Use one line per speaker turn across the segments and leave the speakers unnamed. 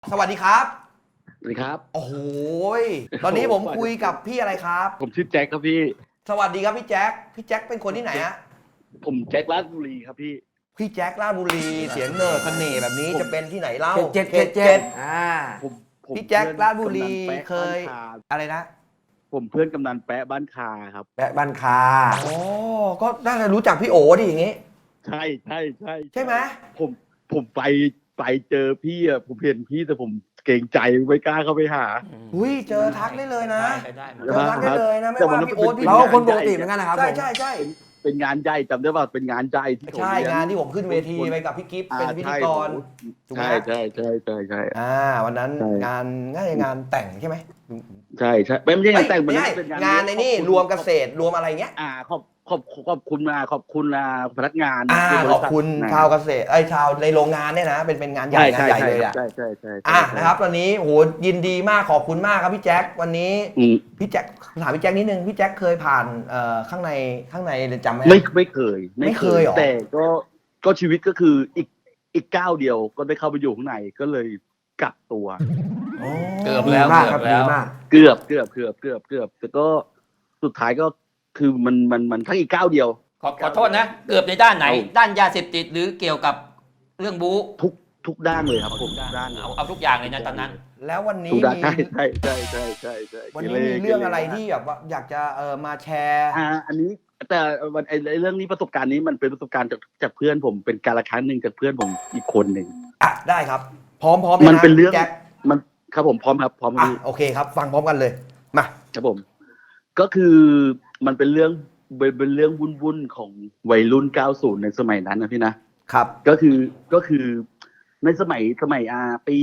สวัสดีครับ
สวัสดีครับ
โอ้โหตอนนี้ผมคุยกับพี่อะไรครับ
ผมชื่อแจ็คครับพี่
สวัสดีครับพี่แจ็คพี่แจ็คเป็นคนที่ไหนฮะ
ผมแจ็คราชบุรีครับพี่
พี่แจ็คราชบุรีเสียงเนิร์ดเสน่ห์แบบนี้
ผม
จะเป็นที่ไหนเล่า
เจ็ด
ผมผม
พี่แจ็ค
เพื่อน
ราชบุรี
กำนันแปะ
เคย
บ้านคา
อะไรนะ
ผมเพื่อนกำนันแปะบ้านคาครับ
แปะบ้านคา
อ๋อก็น่าจะรู้จักพี่โอดิอย่างงี้
ใช่
ใช่ไหม
ผมผมไปเจอพี่อ่ะผมเห็นพี่แต่ผมเกรงใจไม่กล้าเข้าไปหา
อุ้ยเจอทักได้เลยนะ
ได้หมด
เจอทักได้เลยนะไม่ว่าพี่โอ๊ตพี่
เราคนปกติเหมือนกันนะครับ
ใช่
เป็นงานใหญ่จำได้ป่ะเป็นงานใหญ่ที่ผม
ใช่
เลี้ย
งานที่ผมขึ้นเวทีไปกับพี่กิฟต์เป็นพิธีกรถูกไหม
ใช่
วันนั้น
ใช่
งานน่าจะงานแต่งใช่ไหม
ใช่ไม่ใช่งานแต่ง
ไม่ใช่
เป็น
งานในนี่รวมเกษตรรวมอะไรเงี้ย
ขอบคุณพนักงานที่บ
ข
ริ
อบ
ษัท
คุณ
นะ
ชาวเกษตรชาวในโรงงานเนี่ยนะเป็นงานใหญ่งานใหญ่เลยอ่ะ
ใช่
นะครับวันนี้โหยินดีมากขอบคุณมากครับพี่แจ็ควันนี้พี่แจ็คถามพี่แจ็คนิดนึงพี่แจ็คเคยผ่านข้างในเรือนจำไหม
ไม่เคย
เหรอ
แต่ก็ชีวิตก็คืออีกก้าวเดียวก็ได้เข้าไปอยู่ข้างในก็เลยกักตัว
เกือบ
ดี
แล้ว
มากครับดีมาก
เกือบแต่ก็สุดท้ายก็คือมันทั้งอีกก้าวเดียว
ขอโทษนะ เกือบในด้านไหน
เอา
ด้านยาเสพติดหรือเกี่ยวกับเรื่องบู๊
ทุกด้านเลยครับผมทุกด้าน
เอาทุกอย่างเลยนะตอนนั้น
แล้ววันนี้
ทุกด้าน
มี
ใช่
วันนี้มีเรื่องอะไรที่แบบว่าอยากจะมาแชร์
อันนี้แต่วันไอ้เรื่องนี้ประสบการณ์นี้มันเป็นประสบการณ์จากเพื่อนผมเป็นการละครั้งหนึ่งจากเพื่อนผมอีกคนหนึ่ง
ได้ครับ พร้อม
มันเป็นเรื่อง
แจ็ค
มันครับผมพร้อมครับ
อ่ะโอเคครับ ฟังพร้อมกันเลยมา
ครับผมก็คือมันเป็นเรื่องวุ่นของวัยรุ่น 90 ในสมัยนั้นนะพี่นะครับก็คือในสมัยปี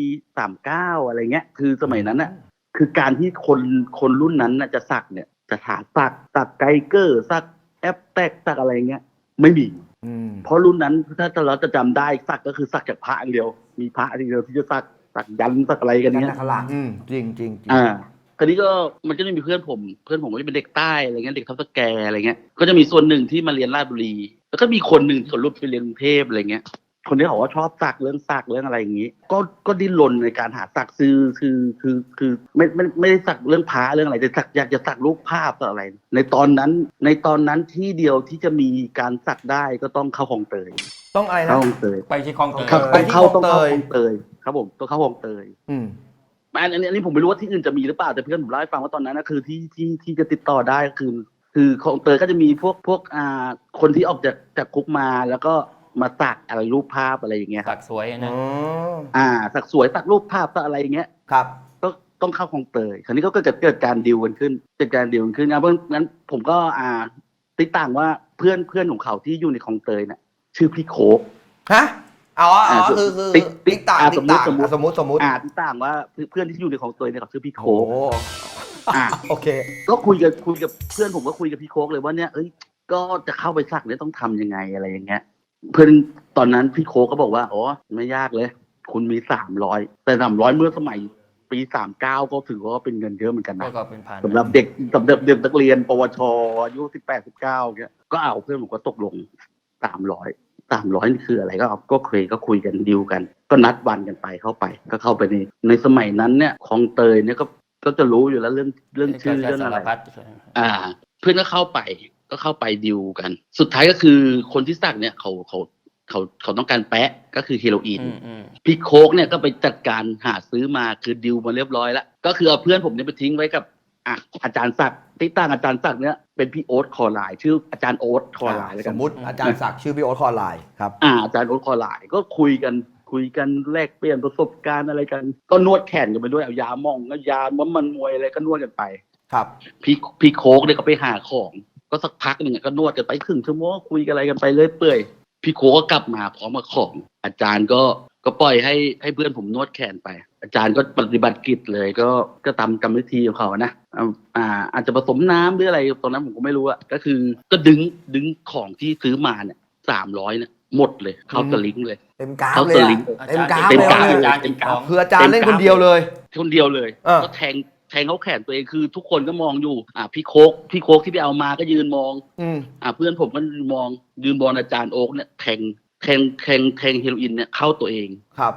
39อะไรเงี้ยคือสมัยนั้นน่ะคือการที่คนรุ่นนั้นน่ะจะสักเนี่ยจะถาสักไกเกอร์สักแอปแตกสักอะไรเงี้ยไม่มีเพราะรุ่นนั้นถ้าเราจะจำได้สักก็คือสักจากพระอย่างเดียวมีพระอย่างเดียวที่จะสักยันสักอะไรกันเนี้ย
นักขลัง
จริง
คราวนี้ก็มันก็จะมีเพื่อนผมก็จะเป็นเด็กใต้อะไรเงี้ยเด็กทับสแกอะไรเงี้ยก็จะมีส่วนหนึ่งที่มาเรียนราชบุรีแล้วก็มีคนหนึ่งที่เขาลุกไปเรียนกรุงเทพอะไรเงี้ยคนนี้เขาก็ชอบสักเรื่องอะไรอย่างงี้ก็ดิ้นรนในการหาสักคือไม่ได้สักเรื่องพระเรื่องอะไรแต่สักอยากจะสักรูปภาพอะไรในตอนนั้นที่เดียวที่จะมีการสักได้ก็ต้องเข้าคลองเตย
ต้องอะไรนะ
เข้าคลองเตย
ไปที่คลองเตย
ครับ
ไปที่คลองเตย
ต้องเข้าคลองเตยครับผมต้องเข้าคลองเตย อันนี้ผมไม่รู้ว่าที่อื่นจะมีหรือเปล่าแต่เพื่อนผมเล่าให้ฟังว่าตอนนั้นนะคือที่จะติดต่อได้ก็คือคลองเตยก็จะมีพวกคนที่ออกจากคุกมาแล้วก็มาสักอะไรรูปภาพอะไรอย่างเงี้ยค
ตั
รับ
กสวยนะ
สักสวยสักรูปภาพสักอะไรอย่างเงี้ย
ครับ
ก็ต้องเข้าคลองเตยคราวนี้ก็เกิดการดีลกันขึ้นเพราะงั้นผมก็ติดต่างว่าเพื่อนของเขาที่อยู่ในคลองเตยเนี่ยชื่อพี่โคก
ฮะคือติ๊กต่างสมมติ
ติดต่างว่าเพื่อนที่อยู่ในคลองเตยเนี่ยเขาชื่อพี่โค
โอ้
ก
โอเค
ก็คุยกับเพื่อนผมก็คุยกับพี่โคกเลยว่าเนี่ยก็จะเข้าไปสักเนี่ยต้องทำยังไงอะไรอย่างเงี้ยเพื่อนตอนนั้นพี่โคกก็บอกว่าอ๋อไม่ยากเลยคุณมี300แต่300เมื่อสมัยปี39ก็ถือว่าเป็นเงินเยอะเหมือนกันนะ
ก็เป็นพัน
สำหรับเด็กนักเรียนปวชอายุ18-19เงี้ยก็เอาเพื่อนผมก็ตกลง300นี่คืออะไรก็คุยกันดีลกัน ก็นัดวันกันไปเข้าไปในสมัยนั้นเนี่ยคลองเตยเนี่ยก็จะรู้อยู่แล้วเรื่องชื่อเรื่องอะไรเพื่อนก็เข้าไปดิวกันสุดท้ายก็คือคนที่สักเนี่ยเขาต้องการแปะก็คือเฮโรอีนพี่โคกเนี่ยก็ไปจัดการหาซื้อมาคือดิวมาเรียบร้อยแล้วก็คือเอาเพื่อนผมเนี่ยไปทิ้งไว้กับอาจารย์ศักดิ์ที่ตั้งอาจารย์ศักดิ์เนี่ยเป็นพี่โอ๊ตคอไลน์ชื่ออาจารย์โอ๊ตคอไลน์แล้ว
ส
กัน
มมติอาจารย์ศักดิ์ชื่อพี่โอ๊ตคอไลน์ครับ
อาจารย์โอ๊ตคอไลน์ก็คุยกันแลกเปลี่ยนประสบการณ์อะไรกันก็นวดแขนกันไปด้วยเอายาหม่องก็ยามันมวยอะไรก็นวดกันไป
ครับ
พี่โคกเนี่ยก็ไปหาของก็สักพักหนึ่งก็นวดกันไปครึ่งชั่วโมงคุยกันอะไรกันไปเรื่อยเปื่อยพี่โคกก็กลับมาพร้อมกับของอาจารย์ก็ปล่อยให้เพื่อนผมนวดแขนไปอาจารย์ก็ปฏิบัติกิจเลยก็ตามกรรมวิธีของเขานะอาจจะผสมน้ำหรืออะไรตอนนั้นผมก็ไม่รู้อะก็คือก็ดึงของที่ซื้อมาเนี่ย300เนี่ยหมดเลยเข้าสลิงเลย
เต็มกราฟ
เขา
เลย
สลิง
เต็มกราฟ
เต็มกราฟ
เลย
เลย
เต็มกราฟ
คืออาจารย์เล่นคนเดียวเลย
ก็แทงเขาแขนตัวเองคือทุกคนก็มองอยู่พี่โคกที่ไปเอามาก็ยืนมองเพื่อนผมก็ยืนมองอาจารย์โอ๊กเนี่ยแทงเฮโรอีนเนี่ยเข้าตัวเอง
ครับ
พ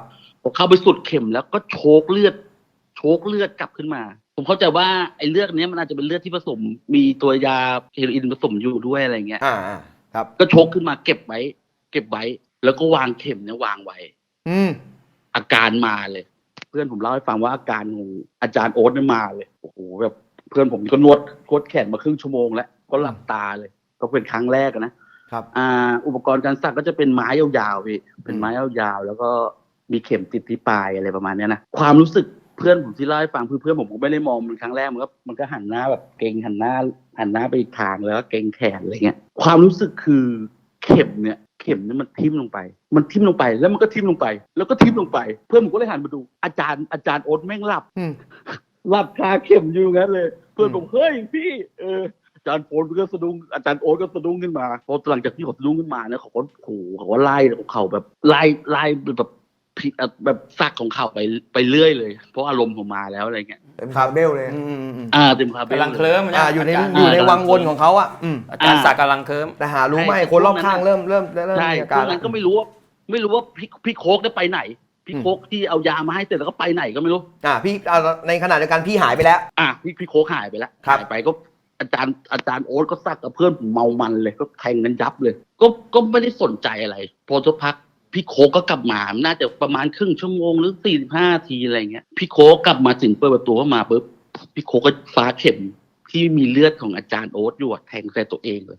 พอเข้าไปสุดเข็มแล้วก็โชกเลือดกลับขึ้นมา ผมเข้าใจว่าไอ้เลือดเนี้ยมันอาจจะเป็นเลือดที่ผสมมีตัวยาเฮโรอีนผสมอยู่ด้วยอะไรเงี้ย
ครับ
ก็โชกขึ้นมาเก็บไว้ แล้วก็วางเข็มเนี่ยวางไว้ อาการมาเลย เพื่อนผมเล่าให้ฟังว่าอาการของอาจารย์โอ๊ตเนี่ยมาเลยโอ้โหแบบเพื่อนผมก็นวดแขนมาครึ่งชั่วโมงแล้วก็หลับตาเลยก็เป็นครั้งแรกนะครับอุปกรณ์การสักก็จะเป็นไม้ยาวๆพี่เป็นไม้ยาวๆแล้วก็มีเข็มติดที่ปลายอะไรประมาณนี้นะความรู้สึกเพื่อนผมที่เล่าให้ฟังเพื่อนผมก็ไม่ได้มองมันครั้งแรกมันก็หันหน้าแบบเกรงหันหน้าไปอีกทางแล้วก็เกรงแขนอะไรเงี้ยความรู้สึกคือเข็มเนี่ยมันทิ่มลงไปแล้วมันก็ทิ่มลงไปแล้วก็ทิ่มลงไปเพื่อนผมก็เลยหันมาดูอาจารย์โอ๊ตแม่งหลับคาเข็มอยู่งั้นเลยเพื่อนผมเฮ้ยพี่อาจารย์โอ๊ตก็สะดุ้งอาจารย์โอ๊ตก็สะดุ้งขึ้นมาพอหลังจากที่เขาสะดุ้งขึ้นมาเนี่ยเขาก็โหเขาก็ไล่เขาแบบไล่แบบซักของเขาไปเรื่อยเลยเพราะอารมณ์ผมมาแล้วอะไรเงี้ย
เต็มคาราเบลเลย
เต็มคาเบล
กำลังเคลิ้มนะ
อยู่ในวังวนของเขา
อาจารย์ศักดิ์กำลังเคลิ้ม
แต่หารู้ไหมคนรอบข้างเริ่ม
ใช่
มีอาการ
นั้นก็ไม่รู้ว่าพี่โคกได้ไปไหนพี่โคกที่เอายามาให้เสร็จแล้วก็ไปไหนก็ไม่รู้
พี่ในขณะเดียวกันพี่หายไปแล้ว
พี่โคกหายไปแล้วหายไปก็อาจารย์โอ๊ตก็ซักกับเพื่อนผมเมามันเลยก็แทงกันยับเลยก็ไม่ได้สนใจอะไรพอสักพักพี่โคกก็กลับมาน่าจะประมาณครึ่งชั่วโมงหรือ45 นาทีอะไรเงี้ยพี่โคกกลับมาถึงเปิดประตูเข้ามาปุ๊บพี่โคกก็ฟ้าเข็มที่มีเลือดของอาจารย์โอ๊ตอยู่แทงใส่ตัวเองเลย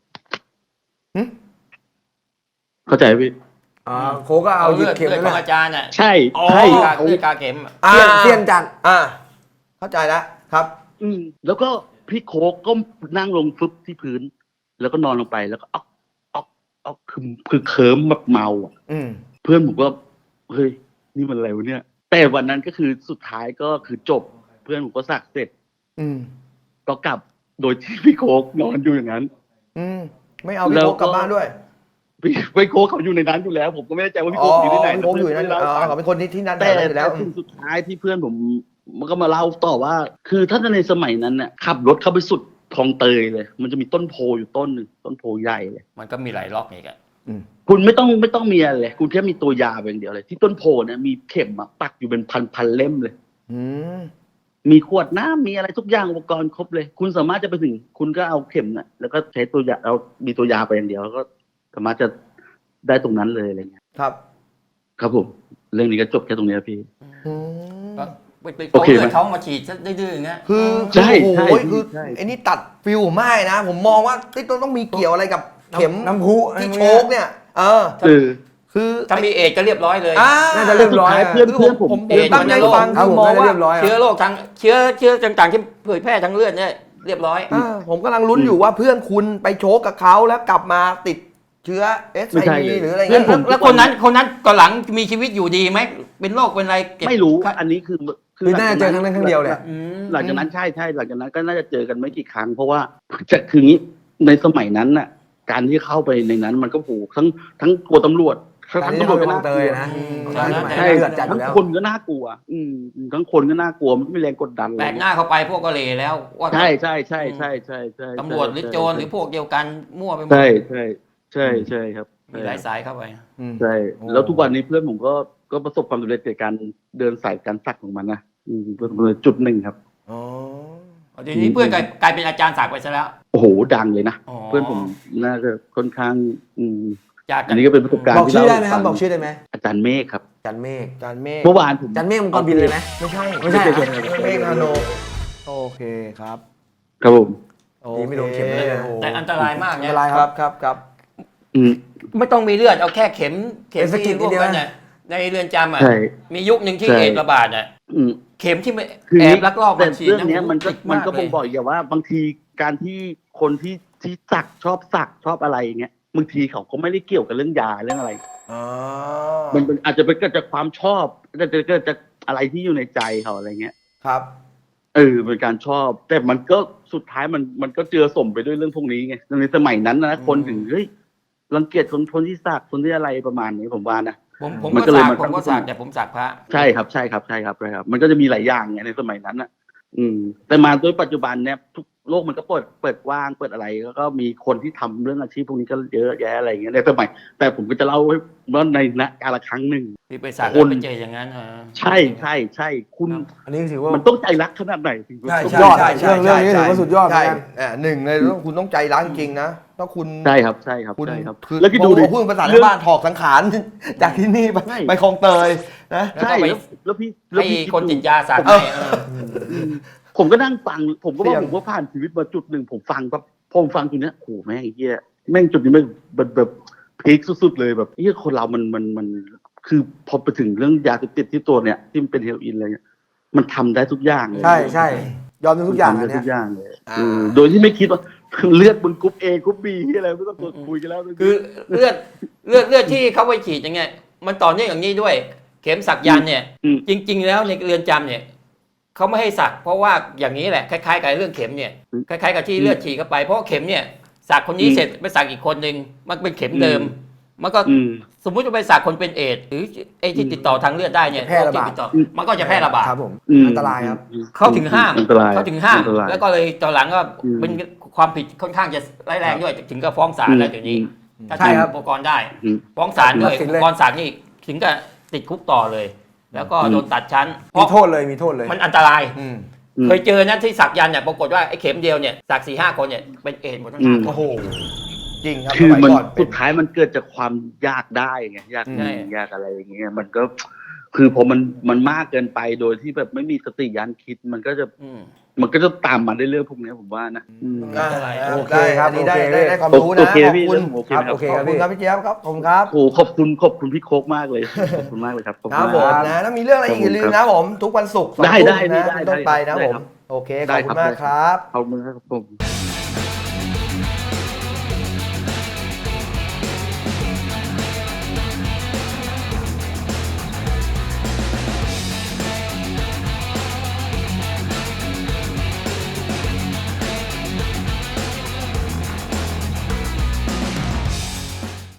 เข้าใจพี่
โคก็เอาหยิบเข็ม
เลือด
นั่น
ของ
แหละ
อาจารย์น่ะ
ใช่
เลือดกาเข็ม
เสี้ยนจัด
เข้าใจแล้วครับ
แล้วก็พี่โคกก็นั่งลงฟึบที่พื้นแล้วก็นอนลงไปแล้วก็คือเคิร์มแบบเมาเพื่อนผมก็เฮ้ยนี่มันอะไรวะเนี่ยแต่วันนั้นก็คือสุดท้ายก็คือจบเพื่อนผมก็สักเสร็จก็กลับโดยที่พี่โคกนอนอยู่อย่างนั้น
ไม่เอาพี่โคกกลับบ้านด้วย
พี่โคกเขาอยู่ในนั้นอยู่แล้วผมก็ไม่แน่ใจว่าพี่โคกอยู่ที่ไหน
พี่โคกอยู่นั่นเขาเป็นคนที่นั่น
แต่
แล้ว
สุดท้ายที่เพื่อนผมมันก็มาเล่าต่อว่าคือถ้าในสมัยนั้นเนี่ยขับรถเข้าไปสุดคลองเตยเลยมันจะมีต้นโพอยู่ต้นหนึ่งต้นโพใหญ่เลย
มันก็มีหลายล็อกอีกอะ
คุณไม่ต้องมีอะไรเลยคุณแค่มีตัวยาอย่างเดียวเลยที่ต้นโพเนี่ยมีเข็มปักอยู่เป็นพันเล่มเลยมีขวดน้ำมีอะไรทุกอย่างอุปกรณ์ครบเลยคุณสามารถจะไปถึงคุณก็เอาเข็มน่ะแล้วก็ใช้ตัวยาเอามีตัวยาไปอย่างเดียวแล้วก็สามารถจะได้ตรงนั้นเลยอะไรเงี้ยครับผมเรื่องนี้ก็จบแค่ตรงนี้พี่
ไปเอาเลือดเขามาฉีดซะดื้อๆอย่างเงี้ย
ใช่
คือไอ้นี่ตัดฟิลมากนะผมมองว่าต้องมีเกี่ยวอะไรกับเข็ม
น้ำพุ
ที่โชกเนี่ยคือ
ถ้ามีเอดก็เรียบร้อยเลย
น่าจะเรียบร้อย
เพื่อนผม
ตั้งใจฟังคือมองว่า
เชื้อโรคทั้งเชื้อต่างๆที่เผยแพร่ทั้งเลือดเนี่ยเรียบร้อย
ผมกำลังลุ้นอยู่ว่าเพื่อนคุณไปโชกกับเขาแล้วกลับมาติดเชื้อ SIV หรืออะไรเงี้ย
แล้วคนนั้นก่อนหลังมีชีวิตอยู่ดีไหมเป็นโรคเป็นอะไร
ไม่รู้อันนี้คือ
น่าจะเจอครั้งนั้นครั้งเดียวเลย
หลังจากนั้นใช่หลังจากนั้นก็น่าจะเจอกันไม่กี่ครั้งเพราะว่าจะคืองี้ในสมัยนั้นน่ะการที่เข้าไปในนั้นมันก็ผูกทั้งกลัวตำรวจทั้งตำรวจก็น่ากลัวนะใช่ทั้งคนก็น่ากลัวทั้งคนก็น่ากลัวมันไม่แรงกดดัน
แบกหน้าเข้าไปพวกก็เลยแล้ว
ใช่
ตำรวจหรือโจรหรือพวกเดียวกันมั่วไปหมด
ใช่ครับ
มีหลายสายเข้าไป
ใช่แล้วทุกวันนี้เพื่อนผมก็ประสบความสำเร็จในการเดินสายการสักของมันนะเพื่อนจุดหนึ่งครับ
ทีนี้เพื่อนกลายเป็นอาจารย์สักไปซะแล้ว
โอ้โหดังเลยนะเพื่อนผมน่าจะค่อนข้างอันนี้ก็เป็นประสบการณ์
บอกชื่อได้ไหมครับบอกชื่อได้ไหม
อาจารย์เมฆครับ
อาจารย์เมฆ
เมื่อวานผม
อาจารย์เมฆมังกรบินเลยไหม
ไม่ใช่
เ
มฆนาโนโอเคครับ
ผม
ไม่โดนเข็มเลย
แต่อันตรายมากเนี่ย
อันตราย
ครับ
ไม่ต้องมีเลือดเอาแค่เข็มที่พวกนั้นเนี่ยในเรือนจำอ่ะมียุคหนึ่งที่เอดส์ระบาดอ่ะเข็มที่แอบลักลอบ
มาฉีดเรื่องนี้มันก็บ่งบอกอย่างว่าบางทีการที่คนที่สักชอบอะไรอย่างเงี้ยบางทีเขาก็ไม่ได้เกี่ยวกับเรื่องยาเรื่องอะไรมันอาจจะเกิดจากความชอบอาจจะเกิดจากอะไรที่อยู่ในใจเขาอะไรเงี้ย
ครับ
เป็นการชอบแต่มันก็สุดท้ายมันก็เจือสมไปด้วยเรื่องพวกนี้ไงในสมัยนั้นนะคนถึงเฮ้ยรังเกียจคนที่สักคนที่อะไรประมาณนี้ผมว่านะ
ผมก็สักแต่ผมสักพระ
ใช่ครับมันก็จะมีหลายอย่างไงในสมัยนั้นนะแต่มาโดยปัจจุบันเนี่ยโลกมันก็เปิดกว้างเปิดอะไรแล้วก็มีคนที่ทำเรื่องอาชีพพวกนี้ก็เยอะแยะอะไรอย่างเงี้ยในสมัยแต่ผมก็จะเล่าว่าในกาลครั้งหนึ่ง
ที่ไปสักแล้วไปเจออย่างนั้น
ใช่คุณ
อันนี้ถือว่า
มันต้องใจรักขนาดไหนถึง
ใช่
สุด
ใช่
ยอด
ใช่ใช่
เรื่องนี้ถือว่าสุดยอดเหมือน
ใช่
กัน
หนึ่งเลยคุณต้องใจรักจริงๆนะต้องคุณ
ใช่ครับ
คุณ
ใช่ครับ
คือ
แล้วคิดดูดิ
พูดภาษาชาวบ้านถอกสังขาร จากที่นี่ไป
ใช่
ไปคลองเตยนะ
ใช่แล้วพี่
ให้
คิด
คนติด
ดู
ยาสัก
ผมก็นั่งฟังผมก็
เสี่
ว่าย
ง
ผมก็ผ่านชีวิตมาจุดหนึ่งผมฟังแบบผมฟังจุดเนี้ยโอ้โหแม่งไอ้เหี้ยแม่งจุดนี้แม่งแบบพีคสุดๆเลยแบบเหี้ยคนเรามันคือพอไปถึงเรื่องยาเสพติดที่ตัวเนี่ยที่มันเป็นเฮโรอีนอะไรเงี้ยมันทำได้ทุกอย่างเลย
ใช่ยอมทุกอย่าง
ทำ
อั
ได้
นเนี้
ทุ
ย
กอย่างเลยโดยที่ไม่คิดว่าเลือดบนกรุ๊ป A กรุ๊ป B ที่อะไรไม่ต้องคุยกันแล้ว
คือเลือดที่เขาไปฉีดอย่างเงี้ยมันต่อเนื่องอย่างนี้ด้วย เข็มสักยันต์เนี่ย จริง ๆ แล้วในเรือนจำเนี่ยเขาไม่ให้สักเพราะว่าอย่างนี้แหละคล้ายๆกับเรื่องเข็มเนี่ยคล้ายๆกับที่เลือดฉีดเข้าไปเพราะเข็มเนี่ยสักคนนี้เสร็จไปสักอีกคนหนึ่งมันเป็นเข็มเดิม มันก็สมมุติจะไปสักคนเป็นเอดส์หรือไอ้ที่ติดต่อทางเลือดได้เนี่ย
แพร่ระบาด
ติดต่อมันก็จะแพร่ระบาด
ครับผมอันตรายครับ
เขาถึงห้าม
อันตราย
แล้วก็เลยตอนหลังก็เป็นความผิดค่อนข้างจะร้ายแรงด้วยถึงกับฟ้องศาลแล้วเดี๋ยวนี้ถ้า
ใช่
ใช้
ครับ
อุปกรณ์ได้ฟ้องศาลด้วย
ตัดสิน
อุ
เลย
ปกรณ์สักนี่ถึงกับติดคุกต่อเลย แล้วก็โดนตัดชั้นเพ
มี
ราะ
โทษเลยมีโทษเลย
มันอันตราย
อืม
เคยเจอนะที่สักยันต์เนี่ยปรากฏว่าไอ้เข็มเดียวเนี่ยสัก4-5 คนเนี่ยเป็นเอดส์หมดทั้งห้าคน
โอ้โหจริงครับ
คือ
สมัย
มัน
ก่อนเป็
สุ
น
ดท้ายมันเกิดจากความยากได้ไงยาก
ใช่
ยากอะไรอย่างเงี้ยมันก็คือพอมันมากเกินไปโดยที่แบบไม่มีสติยันคิดมันก็จะตามมาได้เรื่องพวกนี้ผมว่านะ
อ่า
โอเค
ได้
ครับ
อันนี้ได้
โอเค
ได้ความรู้นะ
โอเค
ขอบ
พี่
คุณ
โอเค
ครับ
ครับ
โอเค
ขอบคุณครับพี่เจี๊ยบครับขอบคุณครับ
โอ้ขอบคุณพี่โคกมากเลยขอบคุณมากเลยครับขอบ
ค
คุ
รั
ณ
บผม
มาก
นะถ้ามีเรื่องอะไรอีกอย่าลืมนะผม ทุกวันศุกร์2
ได้
ทุ่ม
ได้
นะ
ได้
เป็นต้นไปนะ
ได้
ผม
ครับ
โอเคขอบคุณมากครับ
ขอบคุณครับผม